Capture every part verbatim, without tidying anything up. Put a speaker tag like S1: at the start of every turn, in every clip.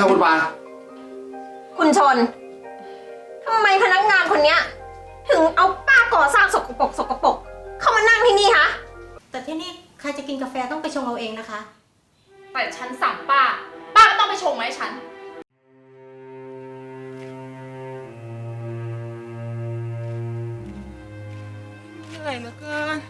S1: ครับคุณปา
S2: คุณชนทำไมพนักงานคนเนี้ยถึงเอาป้าก่อสร้างสกปรกสกปรกเข้ามานั่งที่นี่คะ
S3: แต่ที่นี่ใครจะกินกาแฟต้องไปชงเอาเองนะคะ
S4: แต่ฉันสั่งป้าป้าก็ต้องไปชงมาให้ฉัน
S5: เหนื่อยเหลือเกิน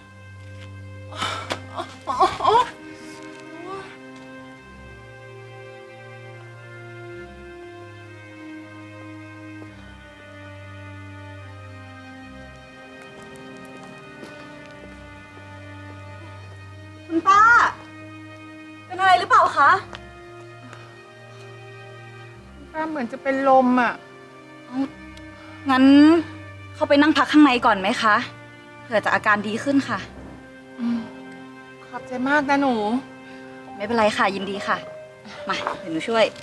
S6: คุณป้าเป็นอะไรหรือเปล่าคะ
S5: ป้าเหมือนจะเป็นลมอ่ะ
S6: งั้นเข้าไปนั่งพักข้างในก่อนไหมคะเผื่อจะอาการดีขึ้นค่ะ
S5: ขอบใจมากนะหนู
S6: ไม่เป็นไรค่ะยินดีค่ะมาเดี๋ยวหนูช่วย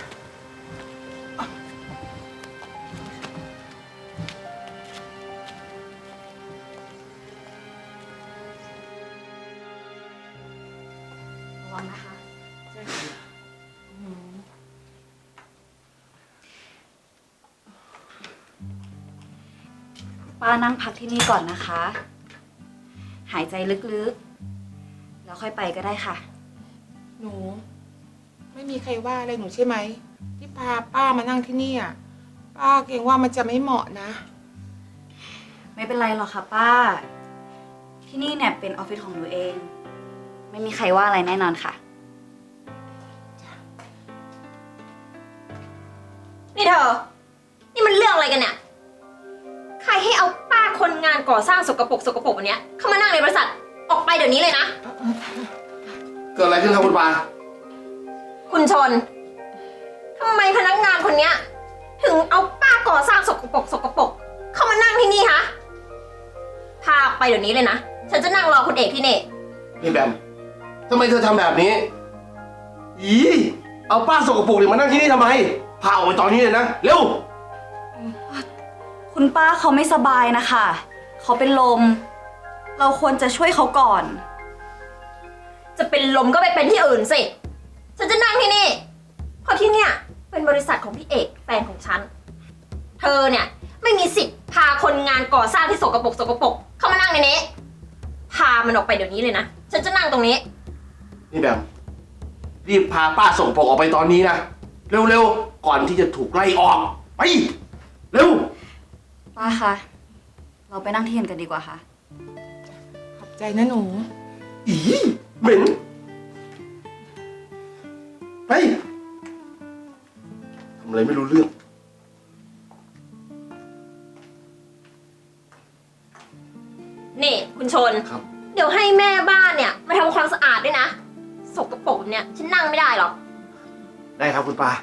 S6: ระวังนะคะป้านั่งพักที่นี่ก่อนนะคะ หายใจลึกๆแล้วค่อยไปก็ได้ค่ะ
S5: หนูไม่มีใครว่าอะไรหนูใช่ไหมที่พาป้ามานั่งที่นี่อ่ะป้าเกรงว่ามันจะไม่เหมาะนะ
S6: ไม่เป็นไรหรอกค่ะป้าที่นี่เนี่ยเป็นออฟฟิศของหนูเองไม่มีใครว่าอะไรแน่นอนค่ะ
S2: นี่เธอนี่มันเรื่องอะไรกันเนี่ยใครให้เอาป้าคนงานก่อสร้างสกปรกสกปรกวันนี้เข้ามานั่งในบริษัทออกไปเดี๋ยวนี้เลยนะ
S1: เกิดอะไรขึ้นครับคุณปา
S2: คุณชนทำไมพนักงานคนเนี้ยถึงเอาป้าก่อสร้างสกปรกสกปรกเข้ามานั่งที่นี่คะพาออกไปเดี๋ยวนี้เลยนะฉันจะนั่งรอคุณเอกที่นี่
S1: นี่แบมทำไมเธอทำแบบนี้อีเอาป้าสกปรกเนี่ยมานั่งที่นี่ทำไมพาออกไปตอนนี้เลยนะเร็ว
S6: คุณป้าเขาไม่สบายนะคะเขาเป็นลมเราควรจะช่วยเขาก่อน
S2: จะเป็นลมก็ไปเป็นที่อื่นสิฉันจะนั่งที่นี่เพราะที่เนี่ยเป็นบริษัทของพี่เอกแฟนของฉันเธอเนี่ยไม่มีสิทธิ์พาคนงานก่อสร้างที่สกปรกสกปรกเข้ามานั่งในนี้พามันออกไปเดี๋ยวนี้เลยนะฉันจะนั่งตรงนี้
S1: นี่แบมรีบพาป้าสกปรกออกไปตอนนี้นะเร็วๆก่อนที่จะถูกไล่ออกไปเร็ว
S6: ป้าคะเราไปนั่งที่อื่นกันดีกว่าค่ะ
S5: ขอบใจนะหนู
S1: อีเหม็นไปทำอะไรไม่รู้เรื่อง
S2: นี่คุณชน
S1: ครับ
S2: เดี๋ยวให้แม่บ้านเนี่ยมาทำความสะอาดด้วยนะสกปรกเนี่ยฉันนั่งไม่ได้หรอก
S1: ได้ครับคุณปา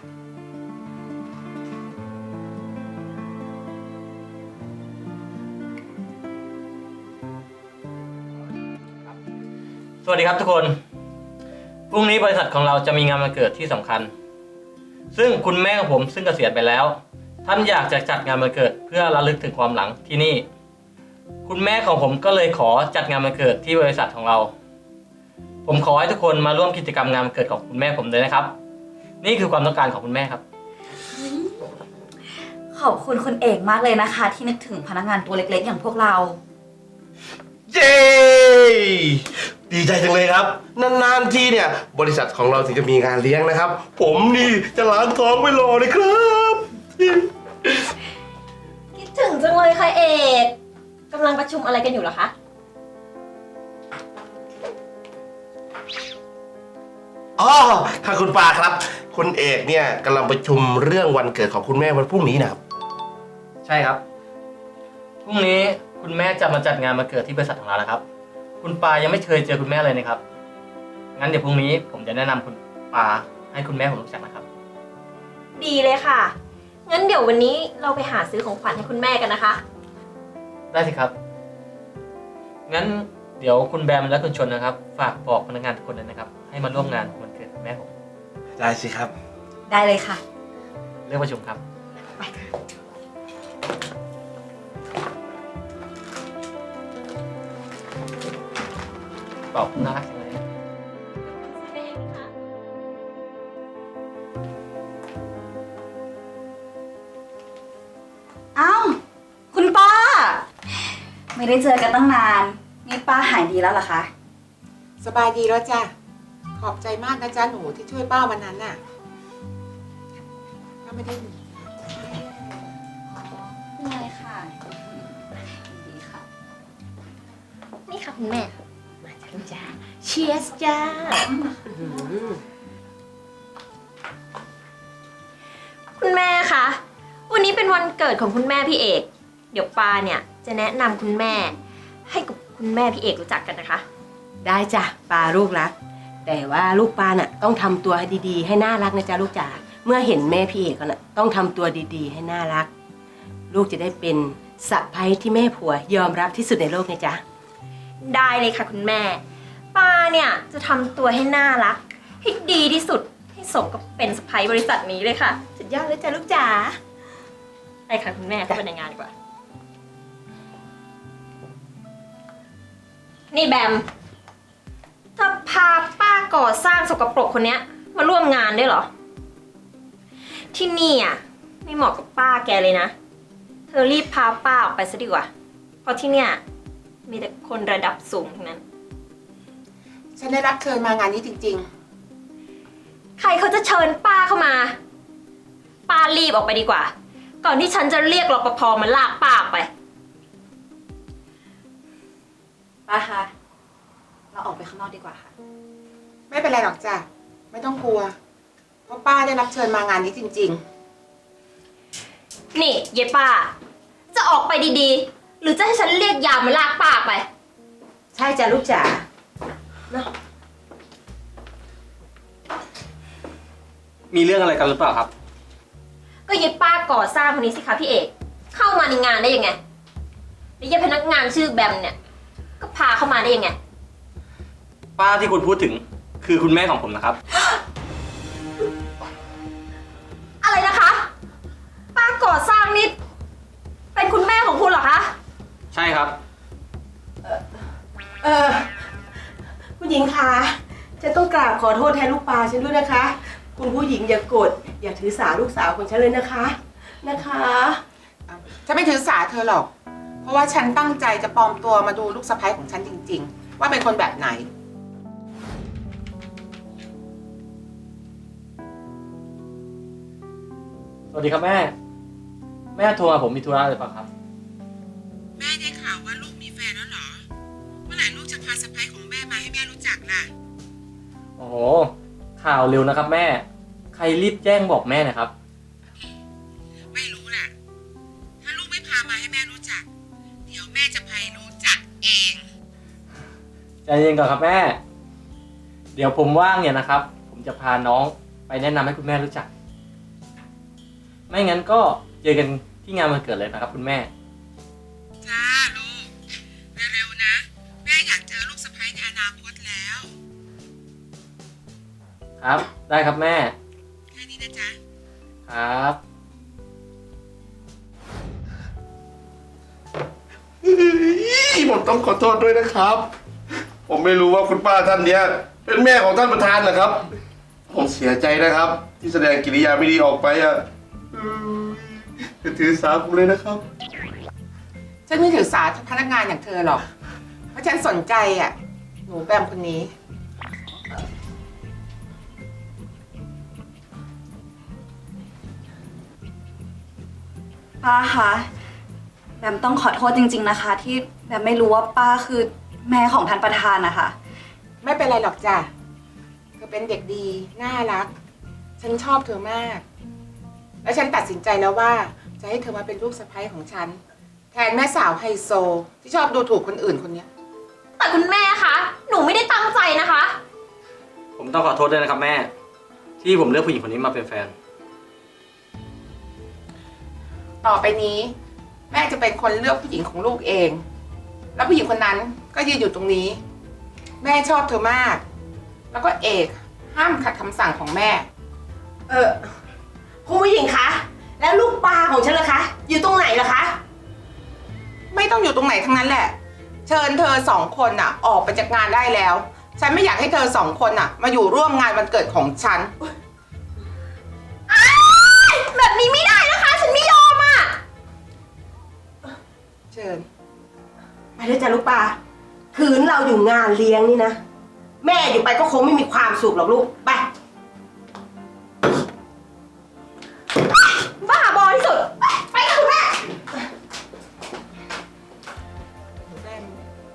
S7: สวัสดีครับทุกคนพรุ่งนี้บริษัทของเราจะมีงานวันเกิดที่สำคัญซึ่งคุณแม่ของผมซึ่งเกษียณไปแล้วท่านอยากจะจัดงานวันเกิดเพื่อระลึกถึงความหลังที่นี่คุณแม่ของผมก็เลยขอจัดงานวันเกิดที่บริษัทของเราผมขอให้ทุกคนมาร่วมกิจกรรมงานวันเกิดของคุณแม่ผมเลยนะครับนี่คือความต้องการของคุณแม่ครับ
S6: ขอบคุณคุณเอกมากเลยนะคะที่นึกถึงพนักงานตัวเล็กๆอย่างพวกเรา
S1: เย้ดีใจจังเลยครับนานๆทีเนี่ยบริษัทของเราถึงจะมีงานเลี้ยงนะครับผมนี่จะล้างท้องไว้รอเลยครับ
S2: คิดถึงจังเลยค่ะเอกกำลังประชุมอะไรกันอยู่เหรอคะ
S1: อ๋อค่ะคุณปาครับคุณเอกเนี่ยกำลังประชุมเรื่องวันเกิดของคุณแม่วันพรุ่งนี้นะครับ
S7: ใช่ครับพรุ่งนี้คุณแม่จะมาจัดงานวันเกิดที่บริษัทของเราแล้วครับคุณปายังไม่เคยเจอคุณแม่เลยนะครับงั้นเดี๋ยวพรุ่งนี้ผมจะแนะนำคุณปาให้คุณแม่ผมรู้จักนะครับ
S2: ดีเลยค่ะงั้นเดี๋ยววันนี้เราไปหาซื้อของขวัญให้คุณแม่กันนะคะ
S7: ได้สิครับงั้นเดี๋ยวคุณแบมและคุณชนนะครับฝากบอกพนักงานทุกคนเลยนะครับให้มาร่วมงานวันเกิดคุณแม่ผม
S1: ได้สิครับ
S6: ได้เลยค่ะ
S7: เรื่องประชุมครับ
S6: ไปค่ะ
S7: ตอบน่ารักจังเลย
S6: ไม่ได้เจอกันตั้งนาน นี่ป้าหายดีแล้วเหรอคะ
S5: สบายดีแล้วจ้ะ ขอบใจมากนะจ๊ะหนูที่ช่วยป้าวันนั้นน่ะป้าไม่ได้หนีนะ
S6: ไม่เป็นไรค่ะดีค่ะ
S2: นี่ค่ะคุณแม่ มาจ้าลูกจ้าเชียร์จ้า คุณแม่คะ วันนี้เป็นวันเกิดของคุณแม่พี่เอก เดี๋ยวปาเนี่ยจะแนะนำคุณแม่ ให้กับคุณแม่พี่เอกรู้จักกันนะคะ
S8: ได้จ้ะปาลูกรัก แต่ว่าลูกปาน่ะต้องทำตัวให้ดีๆ ให้น่ารักนะจ๊ะลูกจ๋าเมื่อเห็นแม่พี่เอกน่ะต้องทำตัวดีๆ ให้น่ารัก ลูกจะได้เป็นสะใภ้ที่แม่ผัวยอมรับที่สุดในโลกนะจ๊ะ
S2: ได้เลยค่ะคุณแม่ ปาเนี่ยจะทำตัวให้น่ารัก ให้ดีที่สุด ให้สมกับเป็นสะใภ้บริษัทนี้เลยค่ะ สุดยอดเลยจ้ะลูกจ๋าไปค่ะคุณแม่เข้าไปในงานดีกว่า นี่แบมจะพาป้าก่อสร้างสกปรกคนเนี้ยมาร่วมงานด้วยเหรอ ที่นี่อ่ะไม่เหมาะกับป้าแกเลยนะ เธอรีบพาป้าออกไปซะดีกว่า เพราะที่เนี่ยมีแต่คนระดับสูงทั้งนั้น
S5: ฉันได้รับเชิญมางานนี้จริง
S2: ใครเขาจะเชิญป้าเข้ามา ป้ารีบออกไปดีกว่า ก่อนที่ฉันจะเรียกรปภมาลากป้าออกไป
S6: ป้าคะ เราออกไปข้างนอกดีกว่าค่ะ
S5: ๆ ไม่เป็นไรหรอกจ้ะ ไม่ต้องกลัว เพราะป้าได้รับเชิญมางานนี้จริง
S2: นี่เยป้า จะออกไปดีๆ หรือจะให้ฉันเรียกยามมาลากป้าออกไป
S8: ใช่จ้ะลูกจ๋าเนาะ
S7: มีเรื่องอะไรกันหรือเปล่าครับ
S2: ก็เยป้าก่อสร้างคนนี้สิคะพี่เอก เข้ามาในงานได้ยังไงแล้วเยพนักงานชื่อแบมเนี่ย ก็พาเข้ามาได้ยังไง
S7: ป้าที่คุณพูดถึงคือคุณแม่ของผมนะครับ
S2: อะไรนะคะ ป้าก่อสร้างนี่เป็นคุณแม่ของคุณเหรอคะ
S7: ใช่ครับ
S8: เออผู้หญิงคะฉันต้องกราบขอโทษแทนลูกปลาฉันด้วยนะคะ คุณผู้หญิงอย่าโกรธอย่าถือสาลูกสาวของฉันเลยนะคะนะคะ
S5: ๆ ฉันไม่ถือสาเธอหรอก เพราะว่าฉันตั้งใจจะปลอมตัวมาดูลูกสะใภ้ของฉันจริง ๆ ว่าเป็นคนแบบไหน
S7: สวัสดีครับแม่ แม่โทรมาผมมีธุระหรือเปล่าครับ
S5: แม่ได้ข่าวว่าลูกมีแฟนแล้วเหรอ เมื่อไหร่ลูกจะพาสะใภ้ของแม่มาให้แม่รู้จักล่ะ
S7: โอ้โห ข่าวเร็วนะครับแม่ ใครรีบแจ้งบอกแม่นะครับ
S5: ไม่รู้แหละ ถ้าลูกไม่พามาให้แม่รู้จัก เดี๋ยวแม่จะพารู้จักเอง
S7: ใจเย็นก่อนครับแม่ เดี๋ยวผมว่างเนี่ยนะครับ ผมจะพาน้องไปแนะนำให้คุณแม่รู้จัก ไม่งั้นก็เจอกันที่งานวันเกิดเลยนะครับคุณแม่
S5: จ้าลูก เร็วๆนะ แม่อยากเจอลูกสะใภ้ในอนาคตแล้ว
S7: ครับ ได้ครับแม่
S5: แค่นี้นะจ๊ะ
S7: ครับ
S1: ผมต้องขอโทษด้วยนะครับ ผมไม่รู้ว่าคุณป้าท่านเนี้ยเป็นแม่ของท่านประธานนะครับ ผมเสียใจนะครับ ที่แสดงกิริยาไม่ดีออกไปอ่ะจะถือสาผมเลยนะครับ
S5: ฉันไม่ถือสาพนักงานอย่างเธอหรอก เพราะฉันสนใจอ่ะ หนูแบมคนนี้
S6: ป้าคะ แบมต้องขอโทษจริงๆนะคะ ที่แบมไม่รู้ว่าป้าคือแม่ของท่านประธานนะคะ
S5: ไม่เป็นไรหรอกจ้ะ เธอเป็นเด็กดี น่ารัก ฉันชอบเธอมาก แล้วฉันตัดสินใจแล้วว่าจะให้เธอมาเป็นลูกสะใภ้ของฉัน แทนแม่สาวไฮโซ ที่ชอบดูถูกคนอื่นคนเนี้ย
S2: แต่คุณแม่คะ หนูไม่ได้ตั้งใจนะคะ
S7: ผมต้องขอโทษด้วยนะครับแม่ ที่ผมเลือกผู้หญิงคนนี้มาเป็นแฟน
S5: ต่อไปนี้ แม่จะเป็นคนเลือกผู้หญิงของลูกเอง แล้วผู้หญิงคนนั้นก็ยืนอยู่ตรงนี้ แม่ชอบเธอมาก แล้วก็เอกห้ามขัดคำสั่งของแม่
S8: เออคุณผู้หญิงคะแล้วลูกปลาของฉันล่ะคะอยู่ตรงไหนล่ะคะ
S5: ไม่ต้องอยู่ตรงไหนทั้งนั้นแหละ เชิญเธอสองคนน่ะ ออกไปจากงานได้แล้ว ฉันไม่อยากให้เธอสองคนน่ะ มาอยู่ร่วมงานวันเกิดของฉัน
S2: แบบนี้ไม่ได้นะคะ ฉันไม่ยอมอ่ะ
S5: เชิญ ไป
S8: ด้วยจ้ะลูกปลาคืนเราอยู่งานเลี้ยงนี่นะ แม่อยู่ไปก็คงไม่มีความสุขหรอกลูก ไป บ้าบอที่สุด ไปค่ะคุณแม่
S5: หนูแบม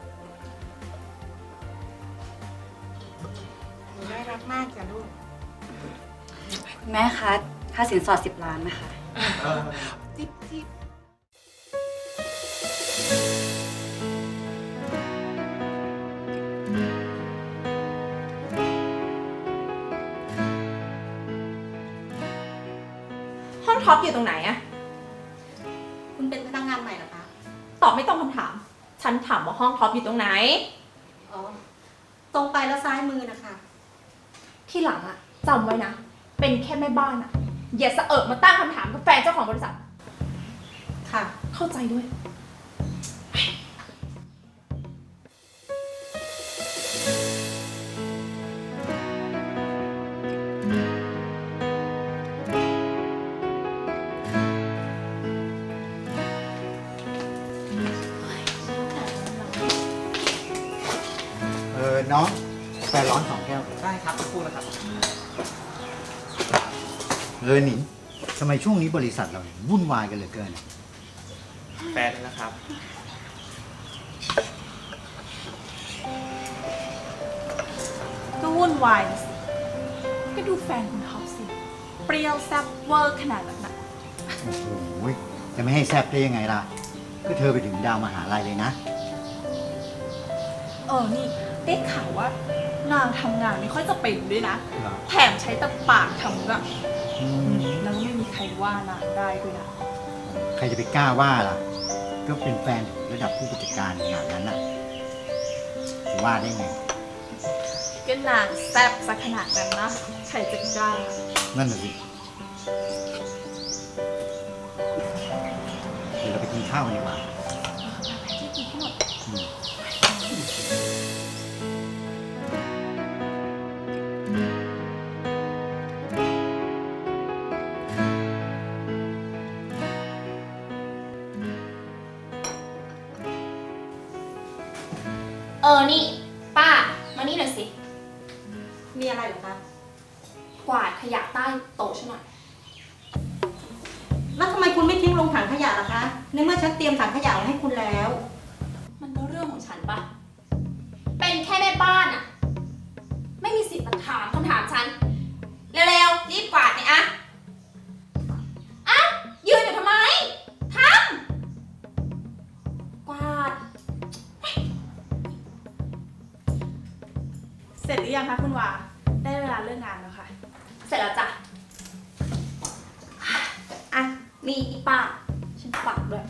S5: หนูน่ารักมากจ้ะลูก
S6: คุณแม่คะค่าสินสอดสิบล้านนะคะ
S5: จิ๊บจิ๊บ
S4: ห้องท็อปอยู่ตรงไหนอะ
S3: คุณเป็นพนักงานใหม่เหรอคะ
S4: ตอบไม่ต้องคำถาม ฉันถามว่าห้องท็อปอยู่ตรงไหน
S3: อ๋อ ตรงไปแล้วซ้ายมือนะคะ
S4: ที่หลังอะจำไว้นะ เป็นแค่แม่บ้านอะอย่าสะเอิบมาตั้งคำถามกับแฟนเจ้าของบริษัท
S3: ค่ะ
S4: เข้าใจด้วย
S9: เออ น้องกาแฟร้อนสองแก้ว
S10: ได้ครับสักครู่นะครับ
S9: เออหนิงทำไมช่วงนี้บริษัทเราเนี่ยวุ่นวายกันเหลือเกิน
S10: แฟนนะครับ
S4: ก็วุ่นวายนะสิ ก็ดูแฟนคุณท็อปสิ เปรี้ยวแซ่บเวอร์ขนาดนั้นนะ
S9: โอ้โหจะไม่ให้แซบได้ยังไงล่ะ ก็เธอไปถึงดาวมหาลัยเลยนะ
S4: เออ นี่ได้ข่าวว่านางทำงานไม่ค่อยจะเป็นด้วยนะ
S9: เหรอ
S4: แถมใช้แต่ปากทำก็
S9: อืม
S4: แล้วก็ไม่มีใครว่านางได้ด้วยนะ
S9: ใครจะไปกล้าว่าล่ะ ก็เป็นแฟนถึงระดับผู้จัดการขนาดนั้นน่ะจะว่าได้ไง
S4: ก็นางแซ่บซะขนาดนั้นนะ ใครจะกล้า
S9: นั่นน่ะสิ เดี๋ยวเราไปกินข้าวกันดีกว่า
S4: ที่กินให้หมด
S9: อืม
S4: เออ นี่ ป้า มานี่หน่อยสิ
S3: มีอะไรเหรอคะ
S4: กวาดขยะใต้โต๊ะฉันหน่อย
S3: แล้วทำไมคุณไม่ทิ้งลงถังขยะล่ะคะ ในเมื่อฉันเตรียมถังขยะไว้ให้คุณแล้ว
S4: มันก็เรื่องของฉันปะ เป็นแค่แม่บ้านอะไม่มีสิทธิ์มาถามคำถามฉัน เร็วๆ รีบกวาดเนี่ยอะอะยืนอยู่ทำไม ทำ กวาด
S11: เสร็จหรือยังคะคุณวา ได้เวลาเลิกงานแล้วค่ะ
S4: เสร็จแล้วจ้ะ อ่ะ นี่อีป้า ฉันฝากด้วย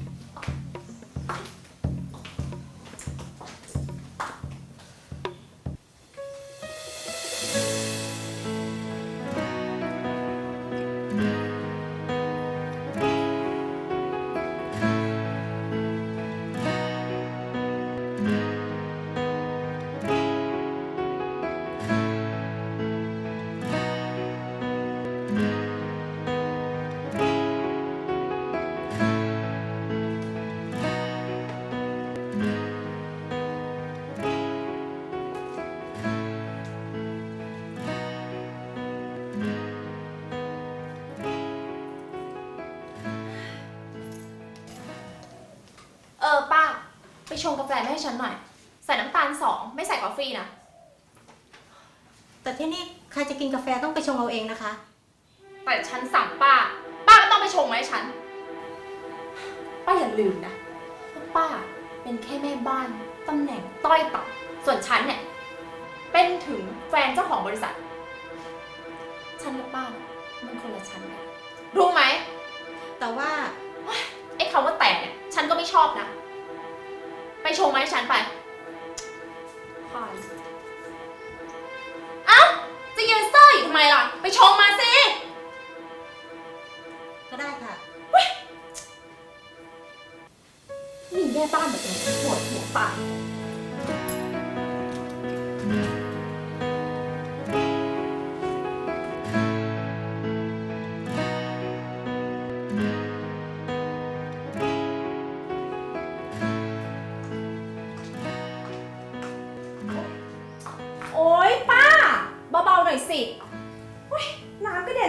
S4: เออ ป้า ไปชงกาแฟมาให้ฉันหน่อย ใส่น้ำตาลสอง ไม่ใส่กาแฟนะ
S3: แต่ที่นี่ใครจะกินกาแฟต้องไปชงเอาเองนะคะ
S4: แต่ฉันสั่งป้า ป้าก็ต้องไปชงมาให้ฉัน ป้าอย่าลืมนะว่าป้าเป็นแค่แม่บ้านตำแหน่งต้อยต่ำส่วนฉันเนี่ย เป็นถึงแฟนเจ้าของบริษัท ฉันกับป้ามันคนละชั้นกันรู้ไหม
S3: แต่ว่า
S4: ไอ้คำว่าแต่เนี่ย ฉันก็ไม่ชอบนะ ไปชงมาให้ฉันไปพายเอ้า จะยืนเซ่ออยู่ทำไมล่ะ ไปชงมาสิ
S3: ก็ได้ค่ะ
S4: มีแม่บ้านแบบนี้ปวดหัวตาย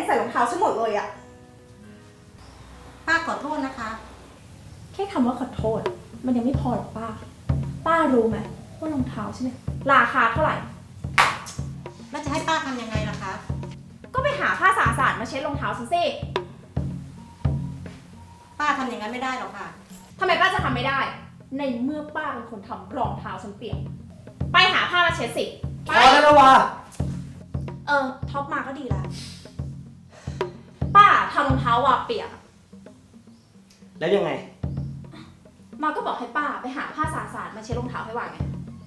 S11: ส่รองเท้าฉันหมดเลยอะ
S3: ป้าขอโทษนะคะ
S11: แค่คำว่าขอโทษ มันยังไม่พอหรอกป้า ป้ารู้ไหมว่ารองเท้าฉันเนี่ยราคาเท่าไหร่
S3: แล้วจะให้ป้าทำยังไงล่ะคะ
S11: ก็ไปหาผ้าสะอาดๆมาเช็ดรองเท้าฉันสิ
S3: ป้าทำอย่างนั้นไม่ได้หรอกค่ะ
S11: ทำไมป้าจะทำไม่ได้ ในเมื่อป้าเป็นคนทำรองเท้าฉันเปียก ไปหาผ้ามาเช็ดสิไป
S10: พอแล้วนะวา
S11: เออท็อปมาก็ดีแล้ว ป้าทำรองเท้าวาเปียก
S10: แล้วยังไง
S11: มาก็บอกให้ป้าไปหาผ้าสะอาดๆมาเช็ดรองเท้าให้วาไง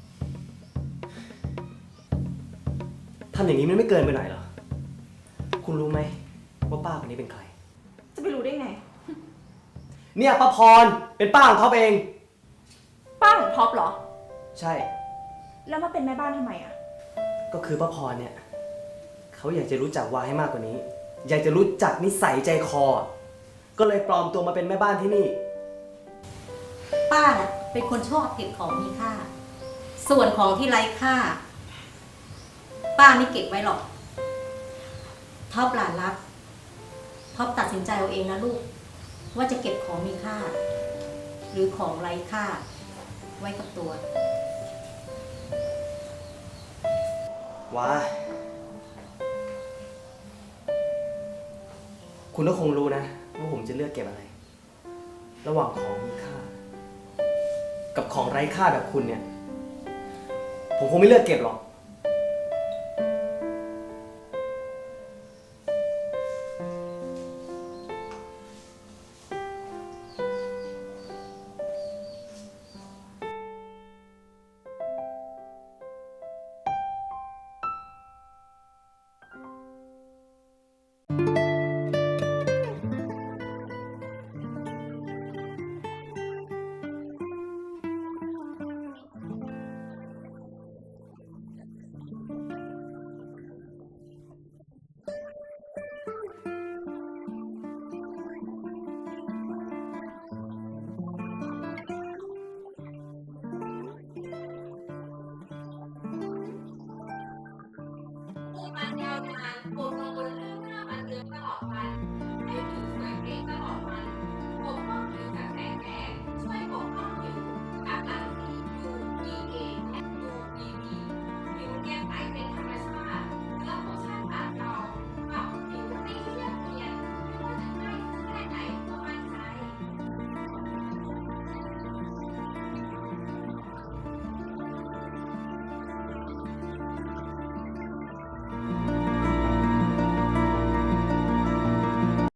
S10: ทำอย่างนี้มันไม่เกินไปหน่อยเหรอ คุณรู้ไหมว่าป้าคนนี้เป็นใคร
S11: จะไปรู้ได้ไง
S10: เนี่ยป้าพร เป็นป้าของท็อปเอง
S11: ป้าของท็อปเหรอ
S10: ใช่
S11: แล้วมาเป็นแม่บ้านทำไมอะ
S10: ก็คือป้าพรเนี่ย เขาอยากจะรู้จักวาให้มากกว่านี้ อยากจะรู้จักนิสัยใจคอ ก็เลยปลอมตัวมาเป็นแม่บ้านที่นี่
S3: ป้าน่ะเป็นคนชอบเก็บของมีค่า ส่วนของที่ไร้ค่า ป้าไม่เก็บไว้หรอก ท็อปหลานรัก ท็อปตัดสินใจเอาเองนะลูก ว่าจะเก็บของมีค่า หรือของไร้ค่า ไว้กับตัว
S10: ว้า คุณก็คงรู้นะว่าผมจะเลือกเก็บอะไร ระหว่างของมีค่า กับของไร้ค่าแบบคุณเนี่ย ผมคงไม่เลือกเก็บหรอก